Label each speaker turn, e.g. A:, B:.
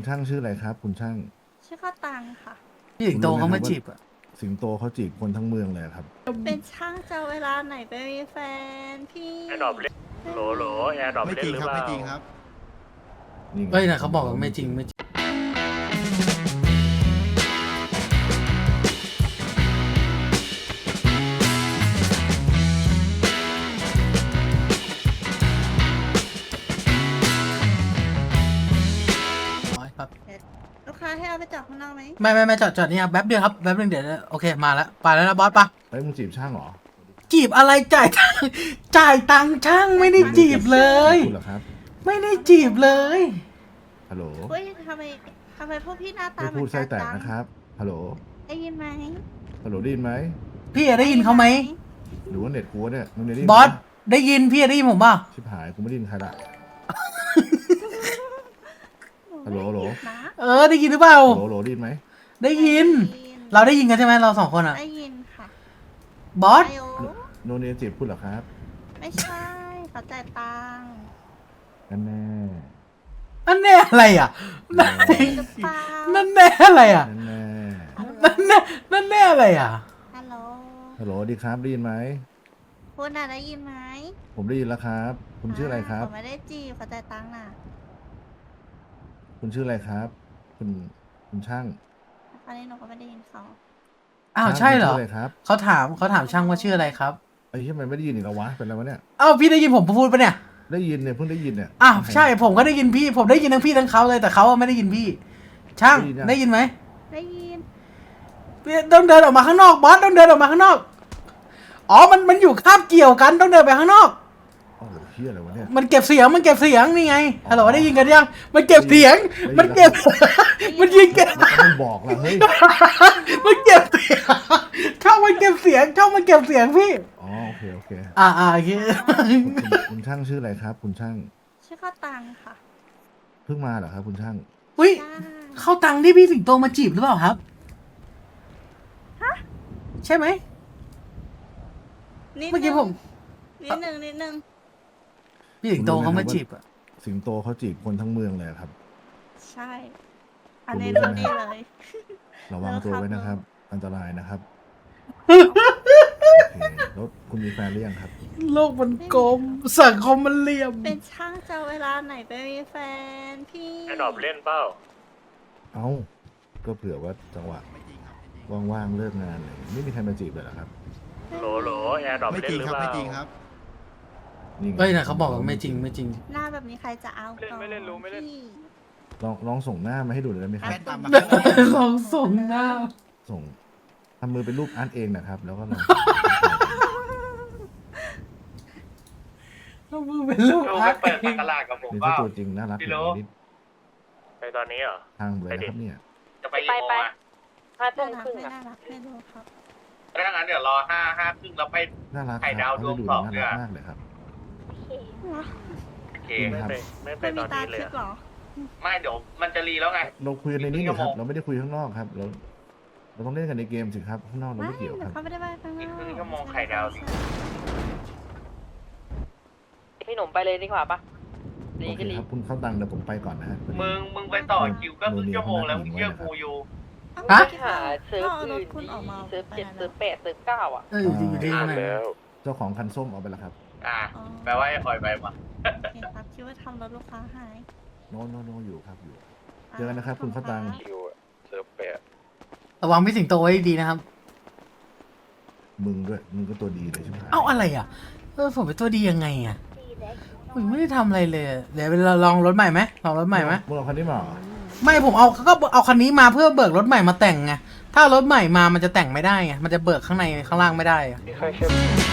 A: ช่างชื่ออะไรครับ คุณช่าง
B: ชื่อข้าวตังค่ะ
C: พี่สิงโตเขามาจีบอ่ะ
A: สิงโตเขาจีบคนทั้งเมืองเลยครับ
B: เป็นช่างจะเวลาไหนไปมีแฟนพี่
D: แอร์ดรอปเล่นโหลแอร์ดรอป
E: ไม่
D: เล่
E: จ
D: น
E: ริง
D: หรือ
E: ครับ
D: เปล่า
E: ไม่จริงครับ
A: นี่ไง
C: เฮ้ยนะเขาบอกว่าไม่จริงไม่จริงครับ
B: ลูกค้าให้เอาไปจอดข้างนอกไหม
C: ไม่จอดนี่ครับแป๊บเดียวครับแป๊บนึงเดี๋ยวโอเคมาแล้วไปแล้วนะบอสปะ
A: เฮ้ยมึงจีบช่างเหรอ
C: จีบอะไรจ่ายตังค์จ่ายตังค์ช่างไม่ได้จีบเลย
A: คุณเหรอครับ
C: ไม่ได้จีบเลย
A: ฮัลโหล
B: เฮ้ยทำไมพวกพี่หน้าตา
A: ไม่
B: เหมื
A: พู
B: อ
A: ด
B: น
A: ไส้
B: กัน
A: แตก
B: จัง
A: นะครับ ฮัลโหล
B: ได้ยินไหม
A: ฮัลโหลได้ยินไหม
C: พี่ได้ยินเขาไหม
A: หรือว่าเน็ตกูวะเนี่ยมึงได้ยิน
C: บอสได้ยินพี่ได้ยินผมป่ะ
A: ชิบหายกูไม่ได้ยินใครละ ฮัลโหลฮัลโหล
B: นะ
C: ได้ยินหรือเปล่า
A: ฮัลโหลได้ยินไหม
C: ได้ยิน เราได้ยินกันใช่ไหมเราสองคนอ่ะ
B: ได้ยินค่ะ
C: บอส
B: ไอโอ
A: โนเนียจีบคุณเหรอครับ
B: ไม่ใช่เขาจ่ายตังค์
A: นั่นแน่
C: นั่นแน่อะไรอ่ะนั่น
B: หรือเปล่า
C: นั่นแน่อะไรอ่ะ
A: นั่นแน่
C: นั่นแน่อะไรอ่ะ
B: ฮัลโหล
A: ฮัลโหลดีครับได้ยินไหม
B: คุณน่ะได้ยินไหม
A: ผมได้ยินแล้วครับ คุณชื่ออะไรครับ
B: ผมไม่ได้จีบเขาจ่ายตังค์น่ะ
A: คุณชื่ออะไรครับ คุณช่าง
B: คราวนี้หนูก็ไม่ได้ยินเขา
C: อ้าวใช่เหรอ
A: คุณชื่ออะไรครับ
C: เขาถามช่างว่าชื่ออะไรครับ
A: ไอ้ที่มันไม่ได้ยินอีกแล้ววะเป็นอะไรวะเนี่ย
C: อ้าวพี่ได้ยินผมพูดปะเนี่ย
A: ได้ยินเนี่ยเพิ่งได้ยินเนี่ย
C: อ้าวใช่ผมก็ได้ยินพี่ ผมได้ยินทั้งพี่ทั้งเขาเลยแต่เขาไม่ได้ยินพี่ ช่างได้ยินไหม
B: ได้ยิน
C: พี่ต้องเดินออกมาข้างนอกบอสต้องเดินออกมาข้างนอกอ๋อมันอยู่คาบเกี่ยวกันต้องเดินไปข้างนอก
A: โอ้โหเฮียอะไรวะเนี่ย
C: มันเก็บเสียงนี่ไงฮัลโหลได้ยินกันยังมันเก็บเสียง
A: ได้ยิน
C: มันเก็บมันยิงเก็บ
A: มันบอกละเฮ้ย
C: มันเก็บเสียงช่องมันเก็บเสียงพี่
A: อ๋อโอเคโอเค
C: โอเค
A: คุณช่างชื่ออะไรครับ คุณช่าง
B: ชื่อข้าวตังค์ค่ะ
A: เพิ่งมาเหรอครับ คุณช่าง
C: อุ้ย
B: จ้า
C: เข้าตังค์ที่พี่สิงโตมาจีบหรือเปล่าครับใช่ไหม
B: นิด
C: เมื่อกี้ผม
B: นิดนึง
C: พี่สิงโตเขามาจีบอ่ะ
A: สิงโตเขาจีบคนทั้งเมืองเลยครับ
B: ใช่ อันนี้
A: คุณรู้
B: รู้
A: ใช่ไหม
B: ดีเลย
A: ระวังตัวไว้นะครับ อันตรายนะครับโอเคแล้วคุณมีแฟนหรือยังครับ
C: โลกมันกลมสังคมมันเหลี่ยม
B: เป็นช่างจะเวลาไหนไปมีแฟนพี่
D: แอร์ดรอปเล่นเปล่า
A: เอ้าก็เผื่อว่าจังหวะ
E: ไม่จริงครับ
A: ว่างๆเลิกงานอะไรอย่างเงี้ยไม่มีใครมาจีบเลยเหรอครับ
D: โหลแอร์ดรอป
E: ไม่
D: เล่
E: จ
D: น
E: ริง
D: หรือ
E: ครับ
D: เป
E: ไม่
D: ล่า
E: จริงครับ
A: นี่ไง
C: เฮ้ยนะเขาบอกว่าไม่จริง
B: หน้าแบบนี้ใครจะเอาก่อน
D: ไม่เล่นรู้ไม่เล่น
B: พี่
A: ลองส่งหน้ามาให้ดูหน่อยได้ไหมครับ
E: แฟนตามมา
C: ลองส่งหน้า
A: ส่งทำมือเป็นรูปอาร์ตเองนะครับ แล้วก็ลอง
C: แล้วมือเป็นลูก
D: ดู
C: อา
D: ไป
C: ร์ต
D: เปิดตลาดกับผม
A: นี่
D: เป
A: ถ้า
D: ล่า
A: ตัวจริงน่ารัก
D: พี่
A: อย่าง
D: โล
A: นี้
D: ไปตอนนี้เหรอ
A: ทางเลยนะครับเนี่ย
D: จะไปกี่โมงอ่ะ
B: น่ารักไม่น่ารักไม่รู้ครับ
D: ถ้างั้นเดี๋ยวรอห้าครึ่งแล้วไป
A: น่ารักค
D: ไข่
A: รับ
D: ดาว
A: เขา
D: ดว
A: จะ
D: ง
A: ดู
D: สอง
A: น่า
D: เนี่
A: รั
D: ย
A: กมากเลยครับ
D: โอเค
A: จริงครับ
D: ไม่ไป
B: ไม่
D: ต
B: มี
D: อน
B: ตา
D: นี้เลย
B: คิด
D: อะ
B: เหรอ
D: ไม่เดี๋ยวมันจะรีแล้วไง
A: เราคุยในนี้
D: อีก
A: นี่ครับ
D: ครึ่งชั่วโมง
A: เราไม่ได้คุยข้างนอกครับ เราต้องเล่นกันในเกมสิครับข้างนอกเรา
B: ไม่
A: ไม่เกี่ยวครับ
B: เขาไม่ได้ไปข้างนอก
D: อีกครึ่งชั่วโมงไข่ดาวดิ
F: พี่หนุ่มไปเลยดีกว่าปะ
A: โอ
F: ดี
A: เค
F: ก็ดี
A: ครับคุณเข้าตังค์เดี๋ยวผมไปก่อนนะฮะ
D: มึงไปต่อคิวก็ครึ่งชั่วโมงแล้วมึงเชื่อกูอยู่
C: ฮะ
F: ไปหาเซิร์ฟ
B: เอาร
F: อื่
B: ถ
F: น
B: คุณออกมา
F: ดีเซิร์ฟ
B: ไป
F: เจ็ด
B: ไหน
F: เซิร์ฟ
B: แล้ว
F: แปดเซิร์ฟเก้าอ่ะ
C: อยู่ที่ไหน
A: เจ้าของคันส้มเอาไปแล้วครับ
D: แปลว่าไอ้อ่อยไปมา
B: โอเคครับคิดว่าทำรถลูกค้าหาย
A: โนอยู่ครับอยู่ เจอกันนะครับคุณเข้าตังค์
D: คิวเซิร์ฟแปด
C: ระวังพี่สิงโตไว้ดีนะครับ
A: มึงด้วยมึงก็ตัวดีเลยใช่ไหม
C: เอ้าอะไรอ่ะผมเป็นตัวดียังไงอ่ะผมไม่ได้ทำอะไรเลยเดี๋ยวเราลองรถใหม่ไหมลองรถใหม่ไหม
A: มึงเอาคันนี้มาเหรอ
C: ไม่ผมเอาคันนี้มาเพื่อเบิกรถใหม่มาแต่งไงถ้ารถใหม่มามันจะแต่งไม่ได้ไงมันจะเบิกข้างในข้างล่างไม่ได้อะ
D: มีใครเชื่อ